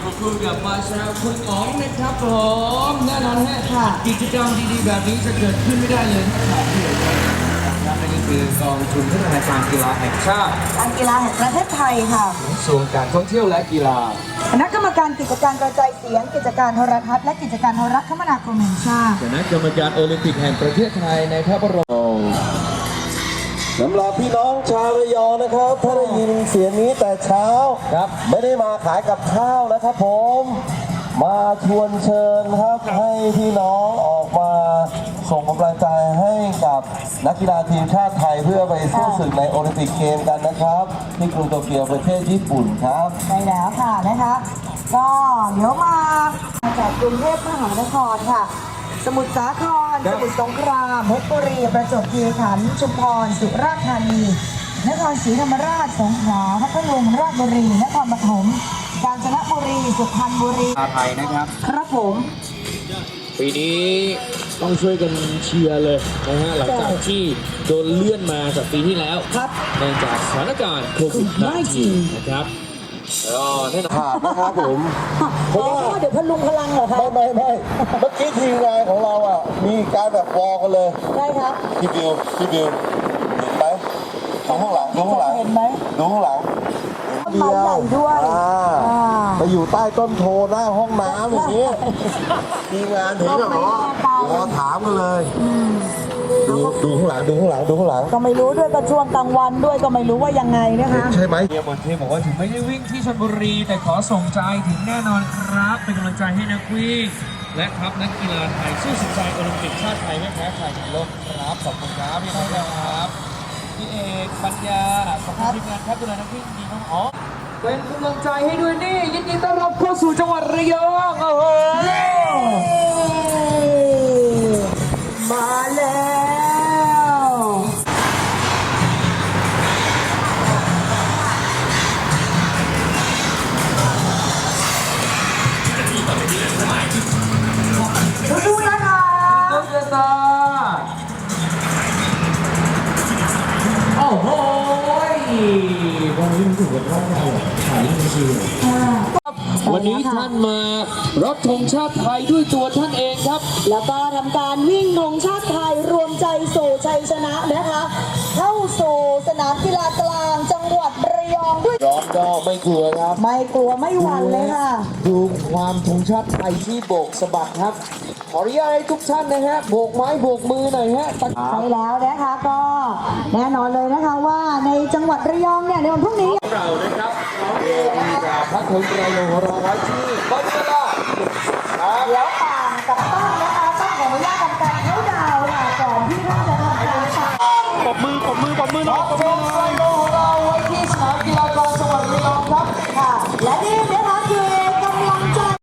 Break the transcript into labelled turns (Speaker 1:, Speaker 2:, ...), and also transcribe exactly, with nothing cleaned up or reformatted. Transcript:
Speaker 1: ขอบคุณกับมาชาคุณอ๋องนะครับผมแน่นอนฮะค่ะกิจกรรมดีๆแบบนี้จะเกิดขึ้นไม่ได้เลยถ้าขาดที่ครับนั่นก็คือกองทุนพัฒนาการกีฬาแห่งชาติ
Speaker 2: การกีฬาแห่งประเทศไทยค่ะ
Speaker 1: กระทรวงการท่องเที่ยวและกีฬา
Speaker 2: คณะกรรมการกิจการกระจายเสียง กิจการโทรทัศน์และกิจการโทรคมนาคมแห่งชาติ
Speaker 1: คณะกรรมการโอลิมปิกแห่งประเทศไทยในพระบรม
Speaker 3: สำหรับพี่น้องชาวระยองนะครับถ้าได้ยินเสียงนี้แต่เช้าครับไม่ได้มาขายกับข้าวนะครับผมมาชวนเชิญครับให้พี่น้องออกมาส่งกำลังใจให้กับนักกีฬาทีมชาติไทยเพื่อไปสู้ศึกในโอลิมปิกเกมกันนะครับที่กรุงโตเกียวประเทศญี่ปุ่นครับ
Speaker 2: ใช่แล้วค่ะนะคะก็เดี๋ยวมาจากกรุงเทพมหานครค่ะสมุทรสาครสมุทรสงครามเพชรบุรีประจวบคีรีขันธ์ชุมพรสุราษฎร์ธานีนครศรีธรรมราชสงขลาพัทลุงราชบุรีนครปฐมกาญจนบุรีสุพรรณบุรี
Speaker 1: ไทยนะครับ
Speaker 2: ครับผม
Speaker 1: ปีนี้ต้องช่วยกันเชียร์เลยนะฮะหลังจากที่โดนเลื่อนมาจากปีที่แล้ว
Speaker 2: ครับ
Speaker 1: เนื่องจากสถานการณ์โควิด สิบเก้า นะครับก็แน่นอน
Speaker 3: ขาดนะครับผม
Speaker 2: เพราะว่าเดี๋ยวพลุงพลังเหรอคะ
Speaker 3: ไม่ไม่ไม่เมื่อกี้ทีมงานของเราอ่ะมีการแบบวอลกันเลย
Speaker 2: ได้ครับ
Speaker 3: พี่บิวพี่บิวเห็นไหมดูข้างหลังดูข้างหลัง
Speaker 2: เห็นไหม
Speaker 3: ดูข้างหลัง
Speaker 2: ต้นไม้ใหญ่ด้วย
Speaker 3: ไปอยู่ใต้ต้นโพหน้าห้องน้ำอย่างนี้ทีมงานเห็นเหรอรอถามกันเลยดูดูข้างหลังดูข้างหลังดูข้างหลัง
Speaker 2: ก็ไม่รู้ด้วยก็ช่วงกลางวันด้วยก็ไม่รู้ว่ายังไงนะคะ
Speaker 3: ใช่ไหม
Speaker 1: เฮียบนเทพบอกว่าถึงไม่ได้วิ่งที่ชลบุรีแต่ขอส่งใจถึงแน่นอนครับเป็นกำลังใจให้นักวิ่งและทัพนักกีฬาไทยสู้สุดใจโอลิมปิกชาติไทยไม่แพ้ใครในโลกครับขอบคุณครับพี่น้องครับพี่เอกปัญญาขอบคุณทีมงานครับดูแลนักวิ่งดีน้องอ๋อเป็นกำลังใจให้ด้วยนี่ยินดีต้อนรับเข้าสู่จังหวัดระยองโอ้โห
Speaker 2: มาแล้วดูนะคะ
Speaker 1: ต้นเจตาโอ้โหวันนี้มันถึงกับร่างกายถ่ายจริงๆวันนี้ท่านมารับธงชาติไทยด้วยตัวท่านเองครับ
Speaker 2: แล้วก็ทำการวิ่งธงชาติไทยรวมใจสู่ชัยชนะนะคะเข้าสู่สนามกีฬากลางจังหวัดระยองด้วย
Speaker 1: ร้องก็ไม่กลัวครับ
Speaker 2: ไม่กลัวไม่หวั่นเลยค่ะ
Speaker 1: ดูความธงชาติไทยที่โบกสะบัดครับขออนุญาตให้ทุกท่านนะฮะโบกไม้โบกมือหน่อยฮะ
Speaker 2: ใช่แล้วนะคะก็แน่นอนเลยนะคะว่าในจังหวัดระยองเนี่ยในวันพรุ่งนี้
Speaker 1: เรานะครับเดี๋ยวจะพักธงระยองรอไว้ที่บนเวลา
Speaker 2: เดี๋ยวต่างกับต้นนะคะต้องขออนุญาตทำการเข้าดาวค่ะก่อนที่ท่านจะทำการ
Speaker 1: ปรบมือปรบมือปรบมือหน่อยปรบมือหน่อย